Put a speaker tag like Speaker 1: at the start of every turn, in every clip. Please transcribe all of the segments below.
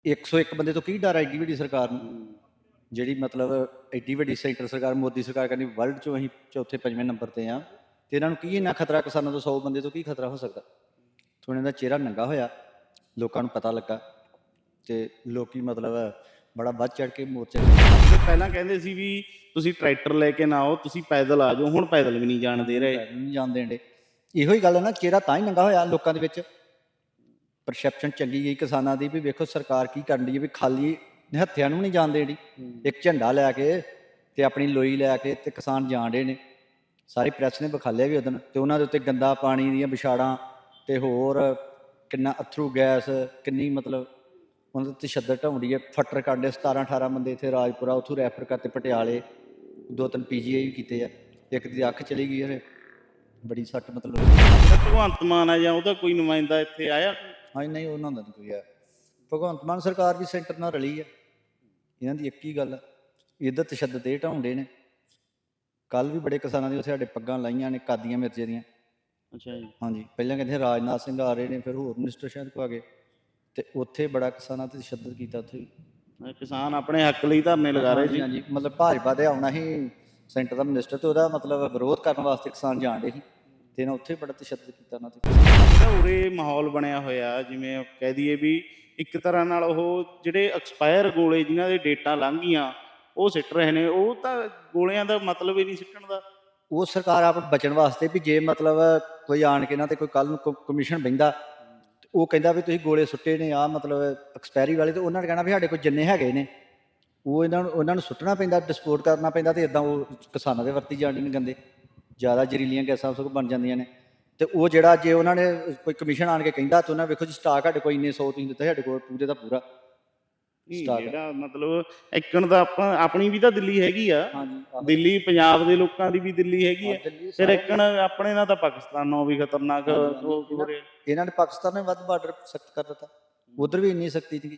Speaker 1: 101 ਬੰਦੇ ਤੋਂ ਕੀ ਡਰ ਐਡੀ ਵੱਡੀ ਸਰਕਾਰ ਨੂੰ, ਜਿਹੜੀ ਮਤਲਬ ਐਡੀ ਵੱਡੀ ਸੈਂਟਰ ਸਰਕਾਰ, ਮੋਦੀ ਸਰਕਾਰ ਕਹਿੰਦੀ ਵਰਲਡ 'ਚੋਂ ਅਸੀਂ ਚੌਥੇ ਪੰਜਵੇਂ ਨੰਬਰ 'ਤੇ ਆ, ਅਤੇ ਇਹਨਾਂ ਨੂੰ ਕੀ ਇੰਨਾ ਖਤਰਾ, ਕਿਸਾਨਾਂ ਤੋਂ 100 ਬੰਦੇ ਤੋਂ ਕੀ ਖਤਰਾ ਹੋ ਸਕਦਾ। ਹੁਣ ਇਹਦਾ ਚਿਹਰਾ ਨੰਗਾ ਹੋਇਆ, ਲੋਕਾਂ ਨੂੰ ਪਤਾ ਲੱਗਾ, ਅਤੇ ਲੋਕ ਮਤਲਬ ਬੜਾ ਵੱਧ ਚੜ੍ਹ ਕੇ ਮੋਰਚੇ
Speaker 2: ਪਹਿਲਾਂ ਕਹਿੰਦੇ ਸੀ ਵੀ ਤੁਸੀਂ ਟਰੈਕਟਰ ਲੈ ਕੇ ਨਾ ਆਓ, ਤੁਸੀਂ ਪੈਦਲ ਆ ਜਾਓ, ਹੁਣ ਪੈਦਲ ਵੀ ਨਹੀਂ ਜਾਣ ਦੇ ਰਹੇ।
Speaker 1: ਨਹੀਂ ਜਾਣ ਦੇਣ ਡੇ। ਇਹੋ ਹੀ ਗੱਲ ਹੈ ਨਾ, ਚਿਹਰਾ ਤਾਂ ਹੀ ਨੰਗਾ ਹੋਇਆ ਲੋਕਾਂ ਦੇ ਵਿੱਚ, ਪਰਸੈਪਸ਼ਨ ਚੰਗੀ ਗਈ ਕਿਸਾਨਾਂ ਦੀ ਵੀ ਵੇਖੋ ਸਰਕਾਰ ਕੀ ਕਰਨ ਡਈ ਹੈ, ਵੀ ਖਾਲੀ ਹੱਥਿਆਂ ਨੂੰ ਨਹੀਂ ਜਾਣ ਦੇਣੀ। ਇੱਕ ਝੰਡਾ ਲੈ ਕੇ ਤੇ ਆਪਣੀ ਲੋਈ ਲੈ ਕੇ ਤੇ ਕਿਸਾਨ ਜਾਣ ਡੇ ਨੇ, ਸਾਰੀ ਪ੍ਰੈਸ ਨੇ ਵਿਖਾਲਿਆ ਵੀ ਉਦੋਂ, ਤੇ ਉਹਨਾਂ ਦੇ ਉੱਤੇ ਗੰਦਾ ਪਾਣੀ ਦੀਆਂ ਵਿਛਾੜਾਂ ਤੇ ਹੋਰ ਕਿੰਨਾ ਅਥਰੂ ਗੈਸ, ਕਿੰਨੀ ਮਤਲਬ ਉਹਨਾਂ ਦੇ ਤਸ਼ੱਦਦ ਢਾਉਂਦੀ ਹੈ। ਫੱਟਰ ਕੱਢੇ 17-18 ਬੰਦੇ ਇੱਥੇ ਰਾਜਪੁਰਾ, ਉੱਥੋਂ ਰੈਫਰ ਕਰਤੇ ਪਟਿਆਲੇ, 2-3 PGI ਵੀ ਕੀਤੇ ਆ, ਇੱਕ ਦੀ ਅੱਖ ਚਲੀ ਗਈ ਹੈ, ਬੜੀ ਸੱਟ ਮਤਲਬ।
Speaker 2: ਭਗਵੰਤ ਮਾਨ ਆ ਜਾਂ ਉਹਦਾ ਕੋਈ ਨੁਮਾਇੰਦਾ ਇੱਥੇ ਆਇਆ?
Speaker 1: ਹਾਂਜੀ, ਨਹੀਂ ਉਹਨਾਂ ਦਾ ਨਹੀਂ ਕੋਈ ਆ। ਭਗਵੰਤ ਮਾਨ ਸਰਕਾਰ ਵੀ ਸੈਂਟਰ ਨਾਲ ਰਲੀ ਆ, ਇਹਨਾਂ ਦੀ ਇੱਕ ਹੀ ਗੱਲ ਆ, ਇੱਧਰ ਤਸ਼ੱਦਦ ਇਹ ਢਾਉਂਦੇ ਨੇ। ਕੱਲ੍ਹ ਵੀ ਬੜੇ ਕਿਸਾਨਾਂ ਦੀ ਉੱਥੇ ਸਾਡੇ ਪੱਗਾਂ ਲਾਈਆਂ ਨੇ ਕਾਦੀਆਂ ਮਿਰਜ਼ੇ ਦੀਆਂ।
Speaker 2: ਅੱਛਾ ਜੀ।
Speaker 1: ਹਾਂਜੀ, ਪਹਿਲਾਂ ਕਹਿੰਦੇ ਰਾਜਨਾਥ ਸਿੰਘ ਆ ਰਹੇ ਨੇ, ਫਿਰ ਹੋਰ ਮਿਨਿਸਟਰ ਸ਼ਾਇਦ ਕੋ ਆ ਗਏ, ਅਤੇ ਉੱਥੇ ਬੜਾ ਕਿਸਾਨਾਂ 'ਤੇ ਤਸ਼ੱਦਦ ਕੀਤਾ ਉੱਥੇ ਵੀ।
Speaker 2: ਕਿਸਾਨ ਆਪਣੇ ਹੱਕ ਲਈ ਧਰਨੇ ਲਗਾ ਰਹੇ ਸੀ।
Speaker 1: ਹਾਂਜੀ, ਮਤਲਬ ਭਾਜਪਾ ਦੇ ਆਉਣਾ ਸੀ ਸੈਂਟਰ ਦਾ ਮਿਨਿਸਟਰ, ਅਤੇ ਉਹਦਾ ਮਤਲਬ ਵਿਰੋਧ ਕਰਨ ਵਾਸਤੇ ਕਿਸਾਨ ਜਾਣ ਡੇ ਸੀ, ਅਤੇ ਇਹਨਾਂ ਉੱਥੇ ਬੜਾ ਤਸ਼ੱਦਦ ਕੀਤਾ ਉਹਨਾਂ 'ਤੇ।
Speaker 2: ਜਿਹੜਾ ਉਰੇ ਮਾਹੌਲ ਬਣਿਆ ਹੋਇਆ, ਜਿਵੇਂ ਕਹਿ ਦਈਏ ਵੀ ਇੱਕ ਤਰ੍ਹਾਂ ਨਾਲ ਉਹ ਜਿਹੜੇ ਐਕਸਪਾਇਰ ਗੋਲੇ ਜਿਨ੍ਹਾਂ ਦੇ ਡੇਟਾਂ ਲੰਘ ਗਈਆਂ ਉਹ ਸਿੱਟ ਰਹੇ ਨੇ, ਉਹ ਤਾਂ ਗੋਲਿਆਂ ਦਾ ਮਤਲਬ ਹੀ ਨਹੀਂ ਸਿੱਟਣ ਦਾ।
Speaker 1: ਉਹ ਸਰਕਾਰ ਆਪ ਬਚਣ ਵਾਸਤੇ ਵੀ ਜੇ ਮਤਲਬ ਕੋਈ ਆਣ ਕੇ ਨਾ, ਤੇ ਕੋਈ ਕੱਲ੍ਹ ਨੂੰ ਕਮਿਸ਼ਨ ਬਹਿੰਦਾ, ਉਹ ਕਹਿੰਦਾ ਵੀ ਤੁਸੀਂ ਗੋਲੇ ਸੁੱਟੇ ਨੇ ਆ ਮਤਲਬ ਐਕਸਪਾਇਰੀ ਵਾਲੇ, ਤਾਂ ਉਹਨਾਂ ਨੇ ਕਹਿਣਾ ਵੀ ਸਾਡੇ ਕੋਲ ਜਿੰਨੇ ਹੈਗੇ ਨੇ ਉਹ ਉਹਨਾਂ ਨੂੰ ਸੁੱਟਣਾ ਪੈਂਦਾ, ਡਿਸਪੋਰਟ ਕਰਨਾ ਪੈਂਦਾ, ਅਤੇ ਇੱਦਾਂ ਉਹ ਕਿਸਾਨਾਂ ਦੇ ਵਰਤੀ ਜਾਂਦੇ ਨੇ ਗੰਦੇ, ਜ਼ਿਆਦਾ ਜ਼ਹਿਰੀਲੀਆਂ ਗੈਸਾਂ ਸਗੋਂ ਬਣ ਜਾਂਦੀਆਂ ਨੇ। ਅਤੇ ਉਹ ਜਿਹੜਾ ਜੇ ਉਹਨਾਂ ਨੇ ਕੋਈ ਕਮਿਸ਼ਨ ਆਣ ਕੇ ਕਹਿੰਦਾ, ਤਾਂ ਉਹਨਾਂ ਵੇਖੋ ਜੀ ਸਟਾਕ ਸਾਡੇ ਕੋਲ ਇੰਨੇ 100 ਤੁਸੀਂ ਦਿੱਤਾ, ਸਾਡੇ ਕੋਲ ਪੂਰੇ ਦਾ ਪੂਰਾ ਸਟਾਕ।
Speaker 2: ਜਿਹੜਾ ਮਤਲਬ ਇੱਕਣ ਦਾ ਆਪਣੀ ਵੀ ਤਾਂ ਦਿੱਲੀ ਹੈਗੀ ਆ,
Speaker 1: ਹਾਂਜੀ,
Speaker 2: ਦਿੱਲੀ ਪੰਜਾਬ ਦੇ ਲੋਕਾਂ ਦੀ ਵੀ ਦਿੱਲੀ ਹੈਗੀ ਆ, ਫਿਰ ਇੱਕਣ ਆਪਣੇ ਨਾਲ ਤਾਂ ਪਾਕਿਸਤਾਨ ਨਾਲੋਂ ਵੀ ਖਤਰਨਾਕ ਹੋ ਰਿਹਾ।
Speaker 1: ਇਹਨਾਂ ਨੇ ਪਾਕਿਸਤਾਨ ਨੇ ਵੱਧ ਬਾਰਡਰ ਸਖਤ ਕਰ ਦਿੱਤਾ, ਉਧਰ ਵੀ ਇੰਨੀ ਸਖਤੀ ਸੀਗੀ,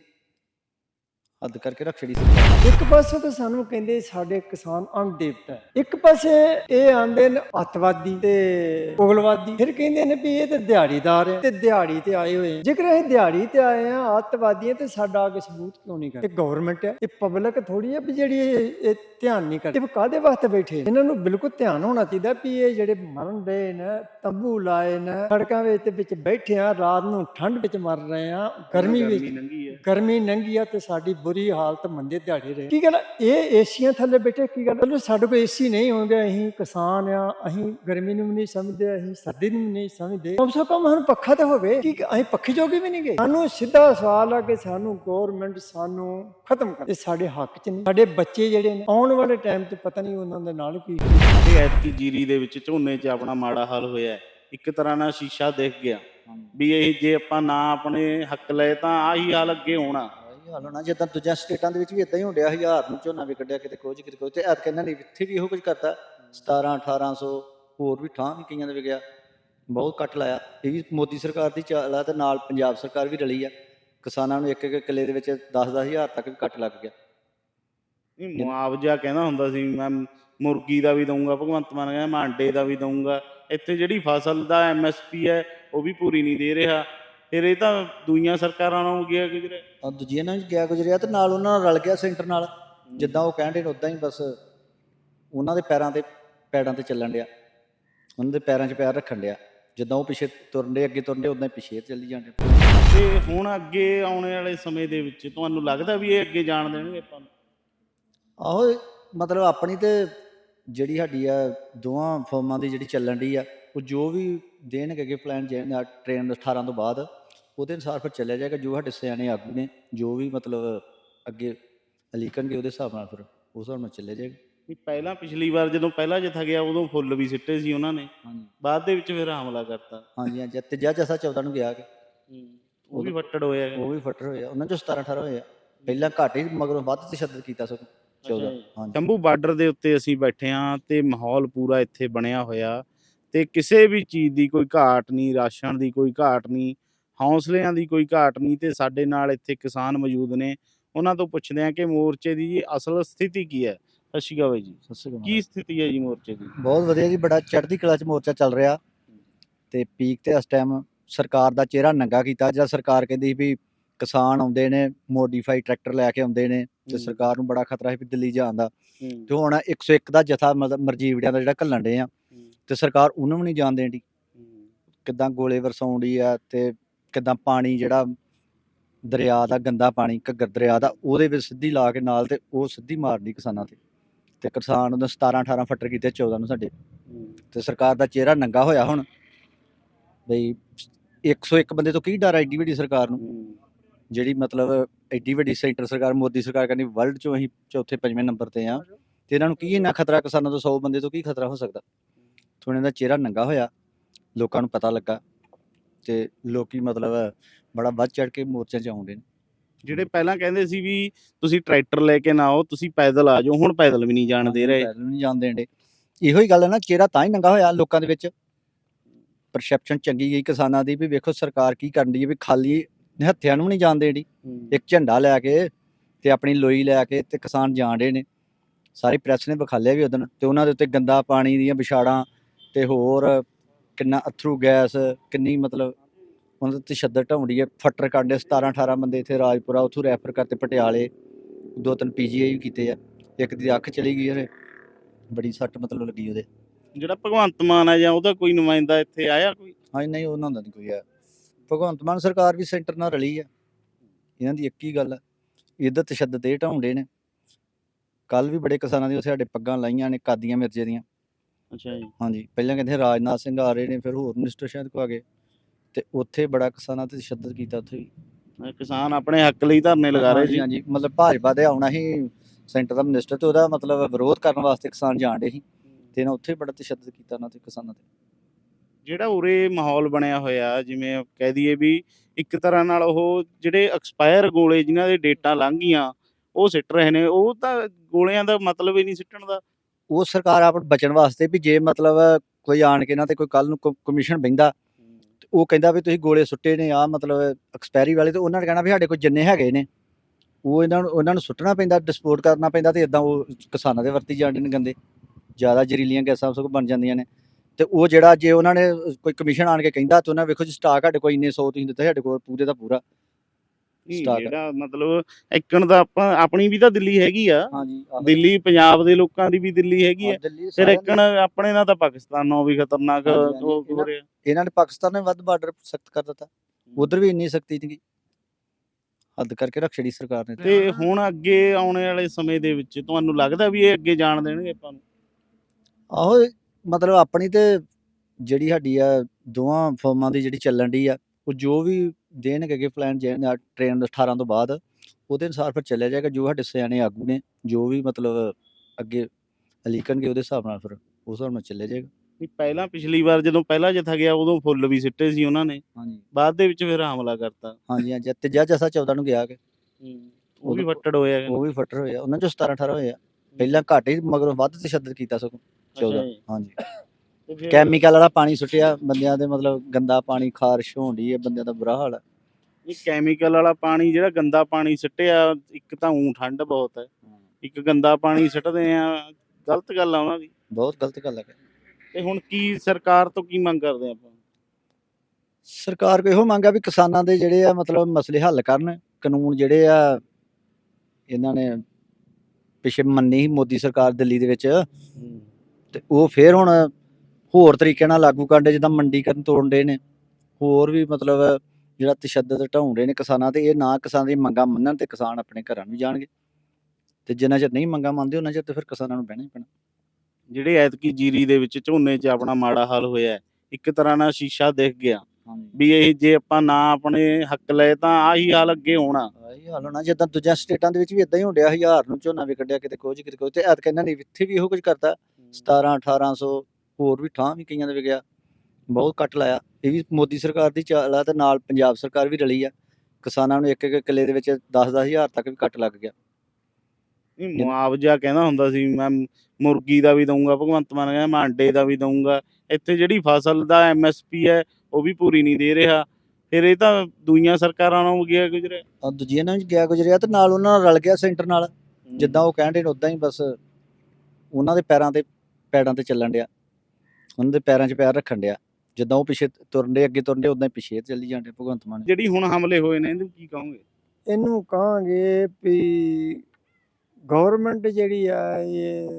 Speaker 1: ਹੱਦ ਕਰਕੇ ਰੱਖ ਛੜੀ ਸੀ।
Speaker 3: ਇੱਕ ਪਾਸੇ ਤਾਂ ਸਾਨੂੰ ਕਹਿੰਦੇ ਸਾਡੇ ਕਿਸਾਨ ਅੰਨ ਦੇਵਤਾ ਹੈ, ਇੱਕ ਪਾਸੇ ਇਹ ਆਂਦੇ ਨੇ ਅੱਤਵਾਦੀ ਤੇ ਉਗਲਵਾਦੀ, ਫਿਰ ਕਹਿੰਦੇ ਨੇ ਵੀ ਇਹ ਤੇ ਦਿਹਾੜੀਦਾਰ ਹੈ ਤੇ ਦਿਹਾੜੀ ਤੇ ਆਏ ਹੋਏ। ਜੇਕਰ ਅਸੀਂ ਦਿਹਾੜੀ ਤੇ ਆਏ ਆ ਅੱਤਵਾਦੀਆਂ, ਤੇ ਸਾਡਾ ਅੱਗੇ ਸਬੂਤ ਕਿਉਂ ਨਹੀਂ ਕਰਦੇ? ਇਹ ਗਵਰਨਮੈਂਟ ਹੈ, ਇਹ ਪਬਲਿਕ ਥੋੜੀ ਹੈ ਵੀ ਜਿਹੜੀ ਇਹ ਧਿਆਨ ਨਹੀਂ ਕਰਦੀ। ਕਾਹਦੇ ਵਾਸਤੇ ਬੈਠੇ? ਇਹਨਾਂ ਨੂੰ ਬਿਲਕੁਲ ਧਿਆਨ ਹੋਣਾ ਚਾਹੀਦਾ ਵੀ ਇਹ ਜਿਹੜੇ ਮਰਨ ਦੇ ਨੇ, ਤੰਬੂ ਲਾਏ ਨੇ ਸੜਕਾਂ ਵਿੱਚ ਬੈਠੇ ਆ, ਰਾਤ ਨੂੰ ਠੰਡ ਵਿੱਚ ਮਰ ਰਹੇ ਆ, ਗਰਮੀ ਨੰਗੀ ਆ, ਤੇ ਸਾਡੀ ਬੁਰੀ ਹਾਲਤ, ਮੰਦੇ ਦਿਹਾੜੇ ਰਹੇ। ਕੀ ਗੱਲ ਇਹ ਏਸੀਆਂ ਥੱਲੇ ਬੈਠੇ? ਕੀ ਗੱਲ ਚਲੋ ਸਾਡੇ ਕੋਲ ਏਸੀ ਨਹੀਂ ਹੋਣਗੇ, ਅਸੀਂ ਕਿਸਾਨ ਆ, ਅਸੀਂ ਗਰਮੀ ਨੂੰ ਵੀ ਨਹੀਂ ਸਮਝਦੇ, ਅਸੀਂ ਸਰਦੀ ਨੂੰ ਵੀ ਨਹੀਂ ਸਮਝਦੇ, ਕਮ ਸੇ ਕਮ ਸਾਨੂੰ ਪੱਖਾ ਤਾਂ ਹੋਵੇ। ਕਿ ਅਸੀਂ ਪੱਖੀ ਜੋਗੇ ਵੀ ਨਹੀਂ ਗਏ? ਸਾਨੂੰ ਸਿੱਧਾ ਸਵਾਲ ਆ ਕਿ ਸਾਨੂੰ ਗੌਰਮੈਂਟ ਸਾਨੂੰ ਖਤਮ ਕਰ, ਇਹ ਸਾਡੇ ਹੱਕ 'ਚ ਨਹੀਂ। ਸਾਡੇ ਬੱਚੇ ਜਿਹੜੇ ਨੇ ਆਉਣ ਵਾਲੇ ਟਾਈਮ 'ਚ ਪਤਾ ਨਹੀਂ ਉਹਨਾਂ ਦੇ ਨਾਲ ਕੀ।
Speaker 2: ਇਹ ਐਤਕੀ ਜੀਰੀ ਦੇ ਵਿੱਚ ਝੋਨੇ 'ਚ ਆਪਣਾ ਮਾੜਾ ਹਾਲ ਹੋਇਆ, ਇੱਕ ਤਰ੍ਹਾਂ ਨਾਲ ਸ਼ੀਸ਼ਾ ਦਿਖ ਗਿਆ ਵੀ ਇਹ ਜੇ ਆਪਾਂ ਨਾ ਆਪਣੇ ਹੱਕ ਲਏ ਤਾਂ ਆਹੀ ਹਾਲ ਅੱਗੇ ਹੋਣਾ।
Speaker 1: ਹਾਲ ਹੋਣਾ ਜਿੱਦਾਂ ਦੂਜਿਆਂ ਸਟੇਟਾਂ ਦੇ ਵਿੱਚ ਵੀ ਇੱਦਾਂ ਹੀ ਹੁੰਦਿਆ, 1000 ਨੂੰ ਝੋਨਾ ਵੀ ਕੱਢਿਆ, ਕਿਤੇ ਕੁਝ ਕਿਤੇ ਕੁਝ, ਤੇ ਐਤਕਾਂ ਇਹਨਾਂ ਨੇ ਇੱਥੇ ਵੀ ਇਹੋ ਕੁਝ ਕਰਤਾ, 1700-1800 ਹੋਰ ਵੀ ਠਾਂ ਵੀ ਕਈਆਂ ਦੇ ਵਿਕਿਆ, ਬਹੁਤ ਕੱਟ ਲਾਇਆ। ਇਹ ਵੀ ਮੋਦੀ ਸਰਕਾਰ ਦੀ ਚਾਲ ਆ, ਤੇ ਨਾਲ ਪੰਜਾਬ ਸਰਕਾਰ ਵੀ ਰਲੀ ਆ, ਕਿਸਾਨਾਂ ਨੂੰ ਇੱਕ ਕਿੱਲੇ ਦੇ ਵਿੱਚ 10-10 ਹਜ਼ਾਰ ਤੱਕ ਵੀ ਕੱਟ ਲੱਗ ਗਿਆ।
Speaker 2: ਮੁਆਵਜ਼ਾ ਕਹਿੰਦਾ ਹੁੰਦਾ ਸੀ ਮੈਂ ਮੁਰਗੀ ਦਾ ਵੀ ਦਊਂਗਾ, ਭਗਵੰਤ ਮਾਨ ਕਹਿੰਦਾ ਮੈਂ ਅੰਡੇ ਦਾ ਵੀ ਦਊਂਗਾ। ਇੱਥੇ ਜਿਹੜੀ ਫਸਲ ਦਾ MSP ਹੈ ਉਹ ਵੀ ਪੂਰੀ ਨਹੀਂ ਦੇ ਰਿਹਾ, ਫਿਰ ਇਹ ਤਾਂ ਦੂਈਆਂ ਸਰਕਾਰਾਂ ਨਾਲ ਗਿਆ ਗੁਜ਼ਰਿਆ,
Speaker 1: ਦੂਜੀਆਂ ਨਾਲ ਵੀ ਗਿਆ ਗੁਜ਼ਰਿਆ, ਤੇ ਨਾਲ ਉਹਨਾਂ ਨਾਲ ਰਲ ਗਿਆ ਸੈਂਟਰ ਨਾਲ, ਜਿੱਦਾਂ ਉਹ ਕਹਿੰਦੇ ਨੇ ਉੱਦਾਂ ਹੀ ਬਸ ਉਹਨਾਂ ਦੇ ਪੈੜਾਂ ਤੇ ਚੱਲਣ ਡਿਆ, ਉਹਨਾਂ ਦੇ ਪੈਰਾਂ 'ਚ ਪੈਰ ਰੱਖਣ ਡਿਆ, ਜਿੱਦਾਂ ਉਹ ਪਿੱਛੇ ਤੁਰਨ ਡੇ, ਅੱਗੇ ਤੁਰਨ ਡੇ, ਉੱਦਾਂ ਹੀ ਪਿੱਛੇ ਚੱਲੀ ਜਾਂਦੇ।
Speaker 2: ਤੇ ਹੁਣ ਅੱਗੇ ਆਉਣੇ ਵਾਲੇ ਸਮੇਂ ਦੇ ਵਿੱਚ ਤੁਹਾਨੂੰ ਲੱਗਦਾ ਵੀ ਇਹ ਅੱਗੇ ਜਾਣ ਦੇਣਗੇ ਆਪਾਂ ਨੂੰ? ਆਹੋ,
Speaker 1: ਮਤਲਬ ਆਪਣੀ ਤੇ ਜਿਹੜੀ ਸਾਡੀ ਆ ਦੋਵਾਂ ਫੋਰਮਾਂ ਦੀ ਜਿਹੜੀ ਚੱਲਣ ਡਈ ਆ, ਉਹ ਜੋ ਵੀ ਦੇਣਗੇ ਅੱਗੇ ਪਲਾਨ ਟ੍ਰੇਨ 18 ਤੋਂ ਬਾਅਦ, ਉਹਦੇ ਅਨੁਸਾਰ ਫਿਰ ਚੱਲਿਆ ਜਾਏਗਾ। ਜੋ ਸਾਡੇ ਸਿਆਣੇ ਆਗੂ ਨੇ ਜੋ ਵੀ ਮਤਲਬ ਅੱਗੇ ਲਿਖਣਗੇ, ਉਹਦੇ ਹਿਸਾਬ ਨਾਲ ਫਿਰ ਉਸ ਹਿਸਾਬ ਨਾਲ ਚੱਲਿਆ ਜਾਏਗਾ।
Speaker 2: ਪਹਿਲਾਂ ਪਿਛਲੀ ਵਾਰ ਜਦੋਂ ਪਹਿਲਾ ਜਥਾ ਗਿਆ ਉਦੋਂ ਫੁੱਲ ਵੀ ਸਿੱਟੇ ਸੀ ਉਹਨਾਂ ਨੇ, ਬਾਅਦ ਦੇ ਵਿੱਚ ਫਿਰ ਹਮਲਾ ਕਰਤਾ।
Speaker 1: ਹਾਂਜੀ, ਤੇ ਜੱਸਾ 14 ਨੂੰ ਗਿਆ,
Speaker 2: ਉਹ ਵੀ ਫੱਟੜ ਹੋਇਆ,
Speaker 1: ਉਹਨਾਂ 'ਚੋਂ 17-18 ਹੋਏ ਆ। ਪਹਿਲਾਂ ਘੱਟ ਹੀ ਮਗਰੋਂ ਵੱਧ ਤਸ਼ੱਦਦ ਕੀਤਾ ਸਗੋਂ 14।
Speaker 2: ਸ਼ੰਭੂ ਬਾਰਡਰ ਦੇ ਉੱਤੇ ਅਸੀਂ ਬੈਠੇ ਹਾਂ ਤੇ ਮਾਹੌਲ ਪੂਰਾ ਇੱਥੇ ਬਣਿਆ ਹੋਇਆ, ਤੇ ਕਿਸੇ ਵੀ ਚੀਜ਼ ਦੀ ਕੋਈ ਘਾਟ ਨਹੀਂ, ਰਾਸ਼ਨ ਦੀ ਕੋਈ ਘਾਟ ਨਹੀਂ, ਹੌਸਲਿਆਂ ਦੀ ਕੋਈ ਘਾਟ ਨਹੀਂ। ਤੇ ਸਾਡੇ ਨਾਲ ਇੱਥੇ ਕਿਸਾਨ ਮੌਜੂਦ ਨੇ, ਉਹਨਾਂ ਤੋਂ ਪੁੱਛਦੇ ਹਾਂ ਕਿ ਮੋਰਚੇ ਦੀ ਅਸਲ ਸਥਿਤੀ ਕੀ ਹੈ। ਸਤਿ ਸ਼੍ਰੀ ਅਕਾਲ ਬਾਈ ਜੀ।
Speaker 1: ਸਤਿ ਸ਼੍ਰੀ ਅਕਾਲ।
Speaker 2: ਕੀ ਸਥਿਤੀ ਹੈ ਜੀ ਮੋਰਚੇ ਦੀ?
Speaker 1: ਬਹੁਤ ਵਧੀਆ ਜੀ, ਬੜਾ ਚੜ੍ਹਦੀ ਕਲਾ 'ਚ ਮੋਰਚਾ ਚੱਲ ਰਿਹਾ, ਤੇ ਪੀਕ ਤੇ ਇਸ ਟਾਈਮ ਸਰਕਾਰ ਦਾ ਚਿਹਰਾ ਨੰਗਾ ਕੀਤਾ। ਜਾਂ ਸਰਕਾਰ ਕਹਿੰਦੀ ਵੀ ਕਿਸਾਨ ਆਉਂਦੇ ਨੇ ਮੋਡੀਫਾਈ ਟਰੈਕਟਰ ਲੈ ਕੇ ਆਉਂਦੇ ਨੇ ਤੇ ਸਰਕਾਰ ਨੂੰ ਬੜਾ ਖਤਰਾ ਹੈ ਵੀ ਦਿੱਲੀ ਜਾਣ ਦਾ ਤੇ ਹੁਣ 101 ਦਾ ਜਥਾ ਮਤਲਬ ਮਰਜੀਵੜਿਆਂ ਦਾ ਜਿਹੜਾ ਘੱਲਣ ਡੇ ਆ ਤੇ ਸਰਕਾਰ ਉਹਨੂੰ ਵੀ ਨਹੀਂ ਜਾਣ ਦੇਣ ਦੀ ਕਿੱਦਾਂ ਗੋਲੇ ਵਰਸਾਉਂਦੀ ਆ ਤੇ ਕਿੱਦਾਂ ਪਾਣੀ ਜਿਹੜਾ ਦਰਿਆ ਦਾ ਗੰਦਾ ਪਾਣੀ ਘੱਗਰ ਦਰਿਆ ਦਾ ਉਹਦੇ ਵਿੱਚ ਸਿੱਧੀ ਲਾ ਕੇ ਨਾਲ ਤੇ ਉਹ ਸਿੱਧੀ ਮਾਰਦੀ ਕਿਸਾਨਾਂ ਤੇ ਕਿਸਾਨ ਉਹਦੇ 17 18 ਫੱਟਰ ਕੀਤੇ 14 ਨੂੰ ਸਾਡੇ ਤੇ ਸਰਕਾਰ ਦਾ ਚਿਹਰਾ ਨੰਗਾ ਹੋਇਆ ਹੁਣ ਬਈ 101 ਬੰਦੇ ਤੋਂ ਕੀ ਡਰ ਆ ਐਡੀ ਵੱਡੀ ਸਰਕਾਰ ਨੂੰ ਜਿਹੜੀ ਮਤਲਬ ਐਡੀ ਵੱਡੀ ਸੈਂਟਰ ਸਰਕਾਰ ਮੋਦੀ ਸਰਕਾਰ ਕਹਿੰਦੀ ਵਰਲਡ ਚੋਂ ਅਸੀਂ ਚੌਥੇ ਪੰਜਵੇਂ ਨੰਬਰ ਤੇ ਆ ਤੇ ਇਹਨਾਂ ਨੂੰ ਕੀ ਇੰਨਾ ਖਤਰਾ ਕਿਸਾਨਾਂ ਤੋਂ 100 ਬੰਦੇ ਤੋਂ ਕੀ ਖਤਰਾ ਹੋ ਸਕਦਾ ਥੋੜੇ ਦਾ ਚਿਹਰਾ ਨੰਗਾ ਹੋਇਆ ਲੋਕਾਂ ਨੂੰ ਪਤਾ ਲੱਗਾ ਤੇ ਲੋਕੀ ਮਤਲਬ ਬੜਾ ਵੱਧ ਚੜ ਕੇ ਮੋਰਚਿਆਂ 'ਚ ਆਉਂਦੇ ਨੇ
Speaker 2: ਜਿਹੜੇ ਪਹਿਲਾਂ ਕਹਿੰਦੇ ਸੀ ਵੀ ਤੁਸੀਂ ਟਰੈਕਟਰ ਲੈ ਕੇ ਨਾ ਆਓ ਤੁਸੀਂ ਪੈਦਲ ਆ ਜਾਓ ਹੁਣ ਪੈਦਲ ਵੀ ਨਹੀਂ ਜਾਣ ਦੇ ਰਹੇ
Speaker 1: ਪੈਦਲ ਨਹੀਂ ਜਾਣ ਦੇਣ ਡੇ ਇਹੋ ਹੀ ਗੱਲ ਹੈ ਨਾ ਚਿਹਰਾ ਤਾਂ ਹੀ ਨੰਗਾ ਹੋਇਆ ਲੋਕਾਂ ਦੇ ਵਿੱਚ ਪਰਸੈਪਸ਼ਨ ਚੰਗੀ ਗਈ ਕਿਸਾਨਾਂ ਦੀ ਵੀ ਵੇਖੋ ਸਰਕਾਰ ਕੀ ਕਰਨ ਦੀ ਹੈ ਵੀ ਖਾਲੀ ਹੱਥਿਆਂ ਨੂੰ ਨਹੀਂ ਜਾਣ ਦੇਣੀ ਇੱਕ ਝੰਡਾ ਲੈ ਕੇ ਤੇ ਆਪਣੀ ਲੋਈ ਲੈ ਕੇ ਤੇ ਕਿਸਾਨ ਜਾਣ ਡੇ ਨੇ ਸਾਰੀ ਪ੍ਰੈਸ ਨੇ ਵਿਖਾਲਿਆ ਵੀ ਉਦੋਂ ਤੇ ਉਹਨਾਂ ਦੇ ਉੱਤੇ ਗੰਦਾ ਪਾਣੀ ਦੀਆਂ ਵਿਛਾੜਾਂ ਤੇ ਹੋਰ ਕਿੰਨਾ ਅਥਰੂ ਗੈਸ ਕਿੰਨੀ ਮਤਲਬ ਉਹਨਾਂ ਤੇ ਤਸ਼ੱਦਦ ਢਾਉਂਦੀ ਹੈ ਫੱਟਰ ਕਾਂਡੇ 17 18 ਬੰਦੇ ਇੱਥੇ ਰਾਜਪੁਰਾ ਉੱਥੋਂ ਰੈਫਰ ਕਰਤੇ ਪਟਿਆਲੇ 2-3 PGI ਵੀ ਕੀਤੇ ਆ ਇੱਕ ਦੀ ਅੱਖ ਚਲੀ ਗਈ ਉਹਦੇ ਬੜੀ ਸੱਟ ਮਤਲਬ ਲੱਗੀ ਉਹਦੇ
Speaker 2: ਜਿਹੜਾ ਭਗਵੰਤ ਮਾਨ ਹੈ ਜਾਂ ਉਹਦਾ ਕੋਈ ਨੁਮਾਇੰਦਾ ਇੱਥੇ ਆਇਆ ਕੋਈ
Speaker 1: ਹਾਂ ਨਹੀਂ ਉਹਨਾਂ ਦਾ ਨਹੀਂ ਕੋਈ ਆ ਭਗਵੰਤ ਮਾਨ ਸਰਕਾਰ ਵੀ ਸੈਂਟਰ ਨਾਲ ਰਲੀ ਆ ਇਹਨਾਂ ਦੀ ਇੱਕ ਹੀ ਗੱਲ ਆ ਇੱਧਰ ਤਸ਼ੱਦਦ ਇਹ ਢਾਉਂਦੇ ਨੇ ਕੱਲ ਵੀ ਬੜੇ ਕਿਸਾਨਾਂ ਦੀ ਉੱਥੇ ਸਾਡੇ ਪੱਗਾਂ ਲਾਈਆਂ ਨੇ ਕਾਦੀਆਂ ਮਿਰਜ਼ੇ ਦੀਆਂ
Speaker 2: ਅੱਛਾ ਜੀ
Speaker 1: ਹਾਂਜੀ ਪਹਿਲਾਂ ਕਹਿੰਦੇ ਰਾਜਨਾਥ ਸਿੰਘ ਆ ਰਹੇ ਨੇ ਫਿਰ ਹੋਰ ਮਿਨਿਸਟਰ ਸ਼ਾਇਦ ਕੋ ਆ ਗਏ ਤੇ ਉੱਥੇ ਬੜਾ ਕਿਸਾਨਾਂ ਤੇ ਤਸ਼ੱਦਦ ਕੀਤਾ ਉੱਥੇ ਵੀ
Speaker 2: ਕਿਸਾਨ ਆਪਣੇ ਹੱਕ ਲਈ ਧਰਨੇ ਲਗਾ ਰਹੇ ਸੀ
Speaker 1: ਹਾਂਜੀ ਮਤਲਬ ਭਾਜਪਾ ਦੇ ਆਉਣਾ ਸੀ ਸੈਂਟਰ ਦਾ ਮਿਨਿਸਟਰ ਤੇ ਉਹਦਾ ਮਤਲਬ ਵਿਰੋਧ ਕਰਨ ਵਾਸਤੇ ਕਿਸਾਨ ਜਾਣ ਡੇ ਸੀ ਤੇ ਇਹਨਾਂ ਉੱਥੇ ਬੜਾ ਤਸ਼ੱਦਦ ਕੀਤਾ ਉਹਨਾਂ ਤੇ ਕਿਸਾਨਾਂ ਤੇ
Speaker 2: ਜਿਹੜਾ ਉਰੇ ਮਾਹੌਲ ਬਣਿਆ ਹੋਇਆ ਜਿਵੇਂ ਕਹਿ ਦਈਏ ਵੀ ਇੱਕ ਤਰ੍ਹਾਂ ਨਾਲ ਉਹ ਜਿਹੜੇ ਐਕਸਪਾਇਰ ਗੋਲੇ ਜਿਨ੍ਹਾਂ ਦੇ ਡੇਟਾਂ ਲੰਘ ਗਈਆਂ ਉਹ ਸਿੱਟ ਰਹੇ ਨੇ ਉਹ ਤਾਂ ਗੋਲਿਆਂ ਦਾ ਮਤਲਬ ਹੀ ਨਹੀਂ ਸਿੱਟਣ ਦਾ
Speaker 1: ਉਹ ਸਰਕਾਰ ਆਪ ਬਚਣ ਵਾਸਤੇ ਵੀ ਜੇ ਮਤਲਬ ਕੋਈ ਆਣ ਕੇ ਇਹਨਾਂ ਤੇ ਕੋਈ ਕੱਲ ਨੂੰ ਕਮਿਸ਼ਨ ਬਹਿੰਦਾ ਤੇ ਉਹ ਕਹਿੰਦਾ ਵੀ ਤੁਸੀਂ ਗੋਲੇ ਸੁੱਟੇ ਨੇ ਆ ਮਤਲਬ ਐਕਸਪਾਇਰੀ ਵਾਲੇ ਤੇ ਉਹਨਾਂ ਨੇ ਕਹਿਣਾ ਵੀ ਸਾਡੇ ਕੋਲ ਜਿੰਨੇ ਹੈਗੇ ਨੇ ਉਹ ਉਹਨਾਂ ਨੂੰ ਸੁੱਟਣਾ ਪੈਂਦਾ ਡਿਸਪੋਰਟ ਕਰਨਾ ਪੈਂਦਾ ਤੇ ਇਦਾਂ ਉਹ ਕਿਸਾਨਾਂ ਦੇ ਵਰਤੀ ਜਾਂਦੇ ਨੇ ਗੰਦੇ ਜ਼ਿਆਦਾ ਜ਼ਹਿਰੀਲੀਆਂ ਗੈਸਾਂ ਸਗੋਂ ਬਣ ਜਾਂਦੀਆਂ ਨੇ ਤੇ ਉਹ ਜਿਹੜਾ ਜੇ ਉਹਨਾਂ ਨੇ ਕੋਈ ਕਮਿਸ਼ਨ ਆਣ ਕੇ ਕਹਿੰਦਾ ਤੇ ਉਹਨਾਂ ਵੇਖੋ ਜੀ ਸਟਾਕ ਸਾਡੇ ਕੋਲ ਇੰਨੇ 100 ਤੁਸੀਂ ਦਿੱਤਾ ਸਾਡੇ ਕੋਲ ਪੂਰੇ ਦਾ ਪੂਰਾ ਸਟਾਕ
Speaker 2: ਜਿਹੜਾ ਮਤਲਬ ਇੱਕਣ ਦਾ ਆਪਾਂ ਆਪਣੀ ਵੀ ਤਾਂ ਦਿੱਲੀ ਹੈਗੀ ਆ
Speaker 1: ਹਾਂਜੀ
Speaker 2: ਦਿੱਲੀ ਪੰਜਾਬ ਦੇ ਲੋਕਾਂ ਦੀ ਵੀ ਦਿੱਲੀ ਹੈਗੀ ਆ ਫਿਰ ਇੱਕਣ ਆਪਣੇ ਨਾਲ ਤਾਂ ਪਾਕਿਸਤਾਨ ਨਾਲ ਵੀ ਖਤਰਨਾਕ ਹੋ ਰਿਹਾ
Speaker 1: ਇਹਨਾਂ ਨੇ ਪਾਕਿਸਤਾਨ ਨੇ ਵੱਧ ਬਾਰਡਰ ਸਖਤ ਕਰ ਦਿੱਤਾ ਉਧਰ ਵੀ ਇੰਨੀ ਸਖਤੀ ਨਹੀਂ ਹੱਦ ਕਰਕੇ ਰੱਖ ਛੜੀ ਸਰਕਾਰ ਨੇ
Speaker 2: ਤੇ ਹੁਣ ਅੱਗੇ ਆਉਣ ਵਾਲੇ ਸਮੇਂ ਦੇ ਵਿੱਚ ਤੁਹਾਨੂੰ ਲੱਗਦਾ ਵੀ ਇਹ ਅੱਗੇ ਜਾਣ ਦੇਣਗੇ ਆਪਾਂ ਨੂੰ
Speaker 1: ਆਹੋ ਮਤਲਬ ਆਪਣੀ ਤੇ ਜਿਹੜੀ ਸਾਡੀ ਆ ਦੋਵਾਂ ਫਰਮਾਂ ਦੀ ਜਿਹੜੀ ਚੱਲਣ ਦੀ ਆ ਉਹ ਜੋ ਵੀ ਦੇਣਗੇ ਅੱਗੇ ਪਲਾਨ ਟ੍ਰੇਨ 18 ਤੋਂ ਬਾਅਦ ਉਹਦੇ ਅਨੁਸਾਰ ਫਿਰ ਚੱਲਿਆ ਜਾਏਗਾ ਜੋ ਸਾਡੇ ਸਿਆਣੇ ਆਗੂ ਨੇ ਜੋ ਵੀ ਮਤਲਬ ਅੱਗੇ ਲਿਖਣਗੇ ਉਹਦੇ ਹਿਸਾਬ ਨਾਲ ਫਿਰ ਉਸ ਹਿਸਾਬ ਨਾਲ ਚੱਲਿਆ ਜਾਏਗਾ
Speaker 2: ਪਹਿਲਾਂ ਪਿਛਲੀ ਵਾਰ ਜਦੋਂ ਪਹਿਲਾ ਜਥਾ ਗਿਆ ਉਦੋਂ ਫੁੱਲ ਵੀ ਸਿੱਟੇ ਸੀ ਉਹਨਾਂ ਨੇ
Speaker 1: ਹਾਂਜੀ
Speaker 2: ਬਾਅਦ ਦੇ ਵਿੱਚ ਫਿਰ ਹਮਲਾ ਕਰਤਾ
Speaker 1: ਹਾਂਜੀ ਹਾਂਜੀ ਤੇ ਜੱਸਾ 14 ਨੂੰ ਗਿਆ ਕਿ
Speaker 2: ਉਹ ਵੀ ਫੱਟੜ ਹੋਇਆ
Speaker 1: ਉਹ ਵੀ ਫੱਟਰ ਹੋਇਆ ਉਹਨਾਂ ਚੋਂ 17 18 ਹੋਏ ਆ ਪਹਿਲਾਂ ਘੱਟ ਹੀ ਮਗਰੋਂ ਵੱਧ ਤਸ਼ੱਦਦ ਕੀਤਾ ਸਗੋਂ 14 ਹਾਂਜੀ ਕੈਮੀਕਲ ਵਾਲਾ ਪਾਣੀ ਸੁੱਟਿਆ ਬੰਦਿਆਂ ਦੇ ਮਤਲਬ ਗੰਦਾ ਪਾਣੀ ਖਾਰਿਸ਼ ਹੋਣੀ ਹੈ ਬੰਦਿਆਂ ਦਾ ਬੁਰਾ ਹਾਲ ਹੈ
Speaker 2: ਇਹ ਕੈਮੀਕਲ ਵਾਲਾ ਪਾਣੀ ਜਿਹੜਾ ਗੰਦਾ ਪਾਣੀ ਸਿੱਟਿਆ ਇੱਕ ਤਾਂ ਠੰਡ ਬਹੁਤ ਹੈ ਇੱਕ ਗੰਦਾ ਪਾਣੀ ਸਿੱਟਦੇ ਆ ਗਲਤ ਗੱਲ ਆ ਉਹਨਾਂ ਦੀ
Speaker 1: ਬਹੁਤ ਗਲਤ ਗੱਲ ਹੈ
Speaker 2: ਤੇ ਹੁਣ ਕੀ ਸਰਕਾਰ ਤੋਂ ਕੀ ਮੰਗ ਕਰਦੇ ਆਪਾਂ
Speaker 1: ਸਰਕਾਰ ਕੋ ਇਹੋ ਮੰਗ ਆ ਵੀ ਕਿਸਾਨਾਂ ਦੇ ਜਿਹੜੇ ਆ ਮਤਲਬ ਮਸਲੇ ਹੱਲ ਕਰਨ ਕਾਨੂੰਨ ਜਿਹੜੇ ਆ ਇਹਨਾਂ ਨੇ ਪਿੱਛੇ ਮੰਨੀ ਸੀ ਮੋਦੀ ਸਰਕਾਰ ਦਿੱਲੀ ਦੇ ਵਿੱਚ ਤੇ ਉਹ ਫੇਰ ਹੁਣ ਹੋਰ ਤਰੀਕੇ ਨਾਲ ਲਾਗੂ ਕਰਦੇ ਜਿੱਦਾਂ ਮੰਡੀਕਰਨ ਤੋੜਦੇ ਨੇ ਹੋਰ ਵੀ ਮਤਲਬ ਜਿਹੜਾ ਤਸ਼ੱਦਦ ਢਾਉਂਦੇ ਨੇ ਕਿਸਾਨਾਂ ਤੇ ਇਹ ਨਾ ਕਿਸਾਨਾਂ ਦੀ ਮੰਗਾਂ ਮੰਨਣ ਤੇ ਕਿਸਾਨ ਆਪਣੇ ਘਰਾਂ ਨੂੰ ਜਾਣਗੇ ਤੇ ਜਿੰਨਾ ਚਿਰ ਨਹੀਂ ਮੰਗਾਂ ਮੰਨਦੇ ਉਹਨਾਂ ਚਿਰ ਤੇ ਫਿਰ ਕਿਸਾਨਾਂ ਨੂੰ ਬਹਿਣਾ ਹੀ ਪੈਣਾ
Speaker 2: ਜਿਹੜੇ ਐਤਕੀ ਜੀਰੀ ਦੇ ਵਿੱਚ ਝੋਨੇ 'ਚ ਆਪਣਾ ਮਾੜਾ ਹਾਲ ਹੋਇਆ ਇੱਕ ਤਰ੍ਹਾਂ ਨਾਲ ਸ਼ੀਸ਼ਾ ਦਿਖ ਗਿਆ ਵੀ ਇਹ ਜੇ ਆਪਾਂ ਨਾ ਆਪਣੇ ਹੱਕ ਲਏ ਤਾਂ ਆਹੀ ਹਾਲ ਅੱਗੇ ਹੋਣਾ
Speaker 1: ਆਹੀ ਹਾਲ ਹੋਣਾ ਜਿੱਦਾਂ ਦੂਜਿਆਂ ਸਟੇਟਾਂ ਦੇ ਵਿੱਚ ਵੀ ਇਦਾਂ ਹੀ ਹੁੰਦਿਆ 1000 ਨੂੰ ਝੋਨਾ ਵੀ ਕੱਢਿਆ ਕਿਤੇ ਕੁਝ ਤੇ ਐਤਕ ਇਹਨਾਂ ਨੇ ਇੱਥੇ ਵੀ ਇਹੋ ਕੁਝ ਕਰਤਾ 17 1800 ਹੋਰ ਵੀ ਠਾਂ ਵੀ ਕਈਆਂ ਦੇ ਵਿਗਿਆ ਬਹੁਤ ਕੱਟ ਲਾਇਆ ਇਹ ਵੀ ਮੋਦੀ ਸਰਕਾਰ ਦੀ ਚਾਲ ਆ ਤੇ ਨਾਲ ਪੰਜਾਬ ਸਰਕਾਰ ਵੀ ਰਲੀ ਆ ਕਿਸਾਨਾਂ ਨੂੰ ਇੱਕ ਇੱਕ ਕਿੱਲੇ ਦੇ ਵਿੱਚ 10-10 ਹਜ਼ਾਰ ਤੱਕ ਵੀ ਕੱਟ ਲੱਗ ਗਿਆ
Speaker 2: ਮੁਆਵਜ਼ਾ ਕਹਿੰਦਾ ਹੁੰਦਾ ਸੀ ਮੈਂ ਮੁਰਗੀ ਦਾ ਵੀ ਦਊਂਗਾ ਭਗਵੰਤ ਮਾਨ ਕਹਿੰਦਾ ਮੈਂ ਅੰਡੇ ਦਾ ਵੀ ਦਊਂਗਾ ਇੱਥੇ ਜਿਹੜੀ ਫਸਲ ਦਾ MSP ਹੈ ਉਹ ਵੀ ਪੂਰੀ ਨਹੀਂ ਦੇ ਰਿਹਾ ਫਿਰ ਇਹ ਤਾਂ ਦੂਈਆਂ ਸਰਕਾਰਾਂ ਨਾਲ ਗਿਆ ਗੁਜ਼ਰਿਆ
Speaker 1: ਦੂਜੀਆਂ ਨਾਲ ਗਿਆ ਗੁਜ਼ਰਿਆ ਤੇ ਨਾਲ ਉਹਨਾਂ ਨਾਲ ਰਲ ਗਿਆ ਸੈਂਟਰ ਨਾਲ ਜਿੱਦਾਂ ਉਹ ਕਹਿੰਦੇ ਨੇ ਉਦਾਂ ਹੀ ਬਸ ਉਹਨਾਂ ਦੇ ਪੈਰਾਂ ਤੇ ਚੱਲਣ ਡਿਆ ਉਹਨਾਂ ਦੇ ਪੈਰਾਂ 'ਚ ਪੈਰ ਰੱਖਣ ਡਿਆ ਜਿੱਦਾਂ ਉਹ ਪਿੱਛੇ ਤੁਰਨਦੇ ਅੱਗੇ ਤੁਰਨਦੇ ਉਦਾਂ ਹੀ ਪਿੱਛੇ ਚੱਲੀ ਜਾਂਦੇ ਭਗਵੰਤ ਮਾਨ।
Speaker 2: ਜਿਹੜੀ ਹੁਣ ਹਮਲੇ ਹੋਏ ਨੇ ਇਹਨੂੰ ਕੀ ਕਹੋਗੇ?
Speaker 3: ਇਹਨੂੰ ਕਹਾਂਗੇ ਵੀ ਗਵਰਨਮੈਂਟ ਜਿਹੜੀ ਆ ਇਹ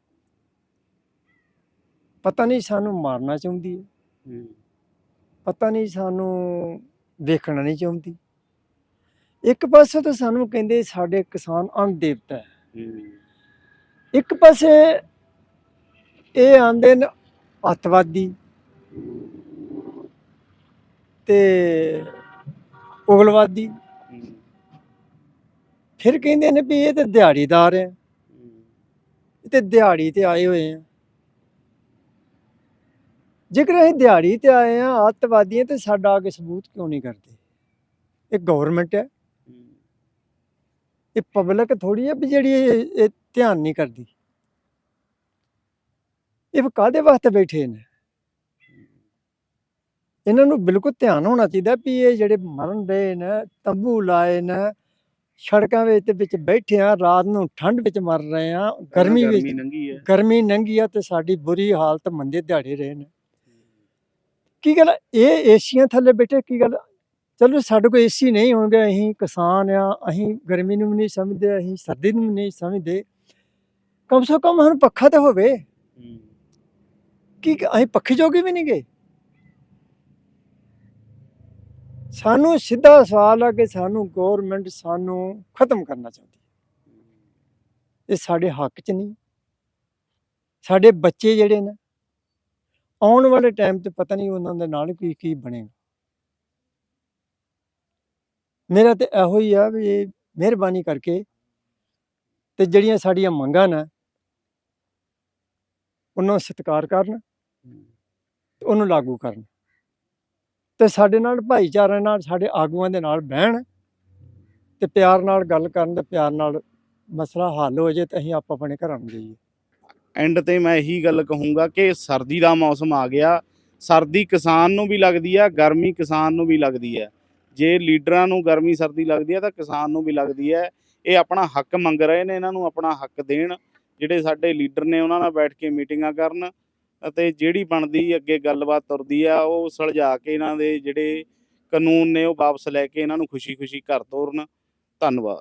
Speaker 3: ਪਤਾ ਨਹੀਂ ਸਾਨੂੰ ਮਾਰਨਾ ਚਾਹੁੰਦੀ ਹੈ, ਪਤਾ ਨਹੀਂ ਸਾਨੂੰ ਵੇਖਣਾ ਨਹੀਂ ਚਾਹੁੰਦੀ। ਇੱਕ ਪਾਸੇ ਤਾਂ ਸਾਨੂੰ ਕਹਿੰਦੇ ਸਾਡੇ ਕਿਸਾਨ ਅੰਨ ਦੇਵਤਾ ਹੈ, ਇੱਕ ਪਾਸੇ ਇਹ ਆਂਦੇ ਨੇ ਅੱਤਵਾਦੀ ਤੇ ਉਗਲਵਾਦੀ। ਫਿਰ ਕਹਿੰਦੇ ਨੇ ਵੀ ਇਹ ਤੇ ਦਿਹਾੜੀਦਾਰ ਹੈ, ਇਹ ਤੇ ਦਿਹਾੜੀ ਤੇ ਆਏ ਹੋਏ ਆ। ਜੇਕਰ ਅਸੀਂ ਦਿਹਾੜੀ ਤੇ ਆਏ ਆ ਅੱਤਵਾਦੀਆਂ ਤੇ ਸਾਡਾ ਅੱਗੇ ਸਬੂਤ ਕਿਉਂ ਨਹੀਂ ਕਰਦੇ? ਇਹ ਗਵਰਨਮੈਂਟ ਹੈ, ਇਹ ਪਬਲਿਕ ਥੋੜੀ ਹੈ ਵੀ ਜਿਹੜੀ ਇਹ ਧਿਆਨ ਨਹੀਂ ਕਰਦੀ। ਇਹ ਕਾਹਦੇ ਵਾਸਤੇ ਬੈਠੇ ਨੇ? ਇਹਨਾਂ ਨੂੰ ਬਿਲਕੁਲ ਧਿਆਨ ਹੋਣਾ ਚਾਹੀਦਾ ਵੀ ਇਹ ਜਿਹੜੇ ਮਰਨ ਰਹੇ ਨੇ, ਤੰਬੂ ਲਾਏ ਨੇ, ਸੜਕਾਂ ਵਿੱਚ ਬੈਠੇ ਆ, ਰਾਤ ਨੂੰ ਠੰਡ ਵਿੱਚ ਮਰ ਰਹੇ ਆ, ਗਰਮੀ ਵਿੱਚ ਗਰਮੀ ਨੰਗੀ ਆ ਤੇ ਸਾਡੀ ਬੁਰੀ ਹਾਲਤ, ਮੰਦੇ ਦਿਹਾੜੇ ਰਹੇ ਨੇ। ਕੀ ਗੱਲ ਇਹ ਏਸੀਆਂ ਥੱਲੇ ਬੈਠੇ? ਕੀ ਗੱਲ? ਚਲੋ ਸਾਡੇ ਕੋਲ ਏਸੀ ਨਹੀਂ ਹੋਣਗੇ, ਅਸੀਂ ਕਿਸਾਨ ਆ, ਅਸੀਂ ਗਰਮੀ ਨੂੰ ਵੀ ਨਹੀਂ ਸਮਝਦੇ, ਅਸੀਂ ਸਰਦੀ ਨੂੰ ਵੀ ਨਹੀਂ ਸਮਝਦੇ, ਕਮ ਸੇ ਕਮ ਸਾਨੂੰ ਪੱਖਾ ਤਾਂ ਹੋਵੇ। ਕੀ ਅਸੀਂ ਪੱਖੇ ਜੋਗੇ ਵੀ ਨਹੀਂ ਗਏ? ਸਾਨੂੰ ਸਿੱਧਾ ਸਵਾਲ ਆ ਕਿ ਸਾਨੂੰ ਗੌਰਮੈਂਟ ਸਾਨੂੰ ਖਤਮ ਕਰਨਾ ਚਾਹੁੰਦੀ। ਇਹ ਸਾਡੇ ਹੱਕ 'ਚ ਨਹੀਂ। ਸਾਡੇ ਬੱਚੇ ਜਿਹੜੇ ਨੇ ਆਉਣ ਵਾਲੇ ਟਾਈਮ 'ਤੇ ਪਤਾ ਨਹੀਂ ਉਹਨਾਂ ਦੇ ਨਾਲ ਕੀ ਬਣੇਗਾ। ਮੇਰਾ ਤੇ ਇਹੋ ਹੀ ਆ ਵੀ ਇਹ ਮਿਹਰਬਾਨੀ ਕਰਕੇ ਤੇ ਜਿਹੜੀਆਂ ਸਾਡੀਆਂ ਮੰਗਾਂ ਨੇ ਉਹਨਾਂ ਸਤਿਕਾਰ ਕਰਨ ਤੇ ਉਹਨੂੰ ਲਾਗੂ ਕਰਨ ਤੇ ਸਾਡੇ ਨਾਲ ਭਾਈਚਾਰੇ ਨਾਲ, ਸਾਡੇ ਆਗੂਆਂ ਦੇ ਨਾਲ ਬਹਿਣ ਤੇ ਪਿਆਰ ਨਾਲ ਗੱਲ ਕਰਨ ਤੇ ਪਿਆਰ ਨਾਲ ਮਸਲਾ ਹੱਲ ਹੋ ਜੇ ਤੇ ਅਸੀਂ ਆਪ ਆਪਣੇ ਘਰਾਂ ਨੂੰ ਜਾਈਏ।
Speaker 2: ਐਂਡ ਤੇ ਮੈਂ ਇਹੀ ਗੱਲ ਕਹੂੰਗਾ ਕਿ ਸਰਦੀ ਦਾ ਮੌਸਮ ਆ ਗਿਆ। ਸਰਦੀ ਕਿਸਾਨ ਨੂੰ ਵੀ ਲੱਗਦੀ ਆ, ਗਰਮੀ ਕਿਸਾਨ ਨੂੰ ਵੀ ਲੱਗਦੀ ਹੈ। ਜੇ ਲੀਡਰਾਂ ਨੂੰ ਗਰਮੀ ਸਰਦੀ ਲੱਗਦੀ ਹੈ ਤਾਂ ਕਿਸਾਨ ਨੂੰ ਵੀ ਲੱਗਦੀ ਹੈ। ਇਹ ਆਪਣਾ ਹੱਕ ਮੰਗ ਰਹੇ ਨੇ, ਇਹਨਾਂ ਨੂੰ ਆਪਣਾ ਹੱਕ ਦੇਣ। ਜਿਹੜੇ ਸਾਡੇ ਲੀਡਰ ਨੇ ਉਹਨਾਂ ਨਾਲ ਬੈਠ ਕੇ ਮੀਟਿੰਗਾਂ ਕਰਨ ਅਤੇ ਜਿਹੜੀ ਬਣਦੀ ਅੱਗੇ ਗੱਲਬਾਤ ਤੁਰਦੀ ਆ ਉਹ ਸੁਲਝਾ ਕੇ ਇਹਨਾਂ ਦੇ ਜਿਹੜੇ ਕਾਨੂੰਨ ਨੇ ਉਹ ਵਾਪਸ ਲੈ ਕੇ ਇਹਨਾਂ ਨੂੰ ਖੁਸ਼ੀ-ਖੁਸ਼ੀ ਘਰ ਤੋਰਨ। ਧੰਨਵਾਦ।